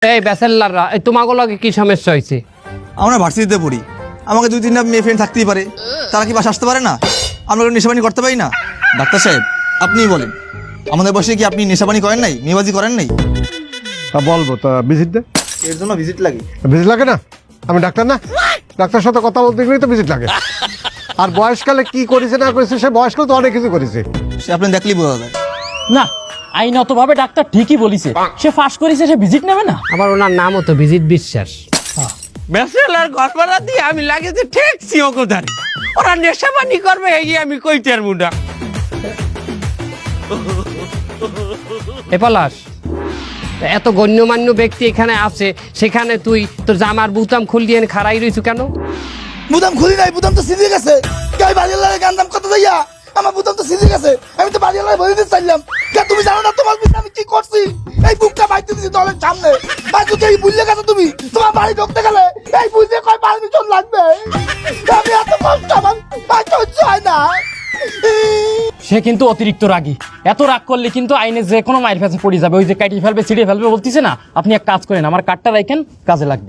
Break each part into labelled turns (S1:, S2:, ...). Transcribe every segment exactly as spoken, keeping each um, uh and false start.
S1: এই ব্যাচেলররা, এই তোমাগো লগে কি সমস্যা হয়েছে?
S2: আমরা ভার্সিটিতে পড়ি, আমাকে দুই তিনটা মেয়ে ফ্রেন্ড থাকতেই পারে, তারা কি বাসা আসতে পারে না? আমরা নেশাবানি করতে পারি না? ডাক্তার সাহেব আপনিই বলেন, আমাদের বয়সে কি আপনি নেশাবানি করেন নাই, মেয়েবাজি করেন নাই?
S3: তা বলবো তা ভিজিট দে।
S2: এর জন্য ভিজিট লাগে?
S3: ভিজিট লাগে না? আমি ডাক্তার না? ডাক্তার সাথে কথা বলতে গেলেই তো ভিজিট লাগে। আর বয়সকালে কি করেছে না করেছে, সে বয়সকালে তো অনেক কিছু করেছে।
S2: সে আপনি দেখলেই বোঝা যায়।
S4: না, আইনতভাবে ডাক্তার ঠিকই বলিছে, সে ফাঁস করেছে, সে ভিজিট নেবে না।
S1: আবার ওনার নামও তো ভিজিট বিশ্বাস। ব্যাচেলর ঘর ভাড়া দিয়ে আমি লাগে যে ঠেকছি ওকোধারে, ওরা নেশাবানি করবে এই আমি কইতে আর মুডা। এ পলাশ, এত গণ্যমান্য ব্যক্তি এখানে আছে, সেখানে তুই তোর জামার বুতাম খুল দিয়ে খাড়াই রইছু কেন?
S5: বুতাম খুলি নাই, বুতাম তো সিঁধে গেছে। গাই বাড়িওয়ালার গান দাম কত যাইয়া, আমার বুতাম তো সিঁধে গেছে। আমি তো বাড়িওয়ালার বলে দিতে চাইলাম। তুমি জানো না তোমার পিছনে আমি কি করছি? এই বুকটা বাইতে দিছি দলের সামনে। ভাই তুই এই বুঝলে গেছো তুমি, তোমার বাড়ি ঢুকতে গেলে এই বুঝলে কয় পারমিশন লাগবে। আমি এত কষ্ট আমার ভাই সহ্য হয় না।
S4: সে কিন্তু অতিরিক্ত রাগী, এত রাগ করলে কিন্তু আইনে যে কোনো মায়ের কাছে পড়ে যাবে। ওই যে কাটিয়ে ফেলবে, ছিঁড়ে ফেলবে বলতেছে না, আপনি এক কাজ করেন, আমার কার্ডটা রাখেন, কাজে লাগবে।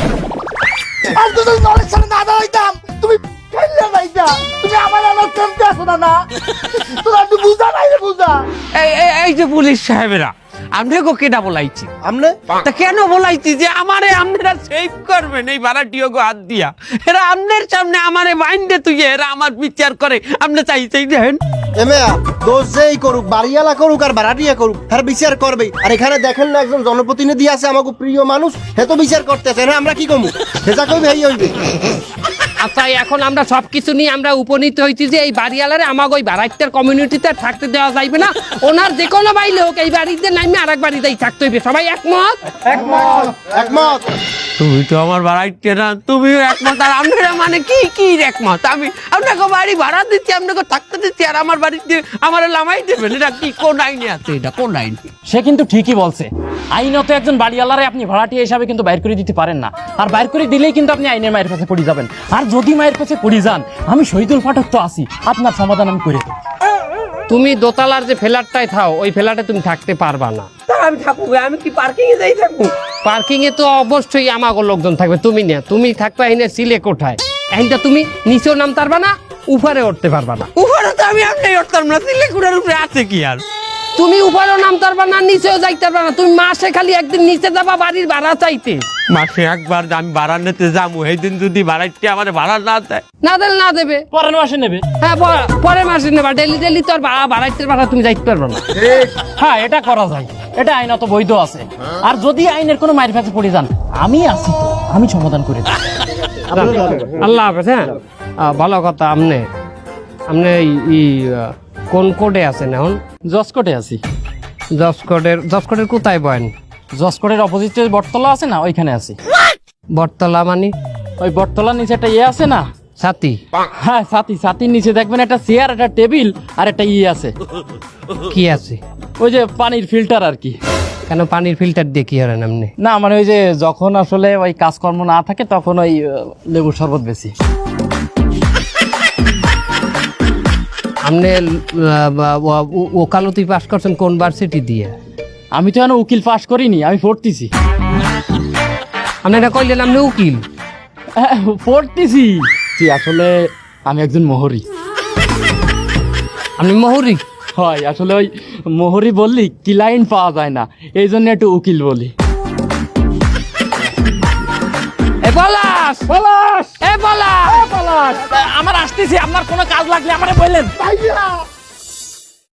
S5: আর তুই যদি দলের সামনে না দাঁড়াইতাম, তুমি ফেললে নাইতা। তুমি আমার আমার কেমতে আসো না না, তোরা একটু বুঝা নাই রে বুঝা।
S1: এই এই- এই যে পুলিশ সাহেবেরা, আমনে গো কেডা বলাইছি?
S5: আমনে
S1: তা কেন বলাইছি যে আমারে আপনারা সেভ করবেন এই ভাড়াটিও গো হাত দিয়া? এরা আমনের সামনে আমারে বাইন্দে তুই, এরা আমার বিচার করে, আপনি চাই চাই দেখেন।
S6: এমেয়া দোষ যেই করুক, বাড়িওয়ালা করুক আর ভাড়াটিয়া করুক, হ্যাঁ বিচার করবেই। আর এখানে দেখেন না একজন জনপ্রতিনিধি আছে, আমাকে প্রিয় মানুষ, হে তো বিচার করতেছে। হ্যাঁ আমরা কি কমু, হেজা কইবে এই হইবে।
S1: আচ্ছা, এখন আমরা সবকিছু নিয়ে আমরা উপনীত হয়েছি যে এই বাড়িওয়ালারে আমাকে ওই ভাড়াটিয়ার কমিউনিটিতে থাকতে দেওয়া যাইবে না। ওনার যে কোনো বাইলে হোক এই বাড়িতে নামে আর এক বাড়িতেই থাকতে হইবে। সবাই একমত?
S6: একমত একমত।
S1: তুমি তো আমার ভাড়াইতে না, তুমিও একমত। আর আপনারা মানে কি কি একমত? আমি আপনাকে বাড়ি ভাড়া দিচ্ছি, আপনাকে থাকতে দিচ্ছি, আর আমার বাড়িতে আমার লামাই দেবেন? এটা কি কোন আইনে আছে? এটা কোন আইন?
S4: সে কিন্তু ঠিকই বলছে, আইনত একজন বাড়িওয়ালারে আপনি ভাড়াটিয়া হিসাবে কিন্তু বাইর করে দিতে পারেন না। আর বাইর করে দিলেই কিন্তু আপনি আইনের মায়ের কাছে পড়ে যাবেন। আর যদি মায়ের কাছে পড়ে যান, আমি শহীদুল পাঠক তো আছি, আপনার সমাধান আমি করে দেব।
S1: তুমি দোতলার যে ফ্ল্যাটটায় থাও, ওই ফ্ল্যাটে তুমি থাকতে পারবা না। আমি থাকবো, আমি কি পার্কিং এ যাই থাকবো? পার্কিং এ তো অবশ্যই আমাগো লোকজন থাকবে, তুমি না। তুমি থাকবে এনে সিলে কোঠায়, এইটা তুমি নিচেও নামতে পারবা না, উপরে উঠতে পারবা না। উপরে তো আমি আপনি উঠতাম না, সিলে কোঠার উপরে আছে কি আর? তুমি উপরেও নামতে পারবা না, নিচেও যাইতে পারবা না। তুমি মাসে খালি একদিন নিচে যাবা বাড়ির ভাড়া চাইতে। মাসে একবার আমি ভাড়া নিতে যাবো, সেই দিন যদি ভাড়াইতে আমার ভাড়া না দেয়, না দিলে না দেবে,
S4: পরের মাসে নেবে।
S1: হ্যাঁ প- পরের মাসে নেবা। ডেলি ডেলি তো আর ভাড়া ভাড়াইতে ভাড়া তুমি যাইতে পারবা না।
S4: হ্যাঁ, এটা করা যায়, এটা আইনত বৈধ আছে। আর যদি আইনের কোনো মায়ের কাছে পড়ে যান, আমি আছি তো, আমি সমাধান করে দেব।
S1: আল্লাহ হাফেজ। হ্যাঁ, আহ, ভালো কথা। আপনি আপনি এই- এই আহ, কোন কোডে আছেন এখন?
S4: জসকোটে আছি।
S1: জসকোডের জসকোডের কোথায় বয়েন?
S4: জসকোটের অপোজিটে বটতলা আছে না, ওইখানে আছি।
S1: বটতলা মানে?
S4: ওই বটতলার নিচে একটা ইয়ে আছে না,
S1: সাথী?
S4: হ্যাঁ সাথী, সাথীর নিচে দেখবেন একটা চেয়ার, একটা টেবিল আর একটা ইয়ে আছে,
S1: কি আছে?
S4: ওই যে পানির ফিল্টার আর কি।
S1: কেন পানির ফিল্টার দিয়ে কি হলেন আপনি?
S4: না মানে ওই যে যখন আসলে ওই কাজকর্ম না থাকে, তখন ওই আহ, লেবুর শরবত বেশি।
S1: আপনি আহ, ও- ও- ওকালতি পাস করছেন কোন ভার্সিটি দিয়ে?
S4: আমি তো এখন উকিল পাস করিনি, আমি পড়তেছি।
S1: আপনি এটা কইলেন আপনি উকিল?
S4: হ্যাঁ, পড়তেছি। জি, আসলে আমি একজন মোহরি।
S1: আপনি মহুরি?
S4: হয়, আসলে ওই মোহরি বললি ক্লায়েন্ট পাওয়া যায় না, এই জন্য একটু উকিল বলি।
S1: এ পলাশ!
S4: পলাশ!
S1: এ পলাশ!
S4: পলাশ! আমার আসতেছি, আপনার কোনো কাজ লাগলে আমারে বললেন।
S5: ভাইয়া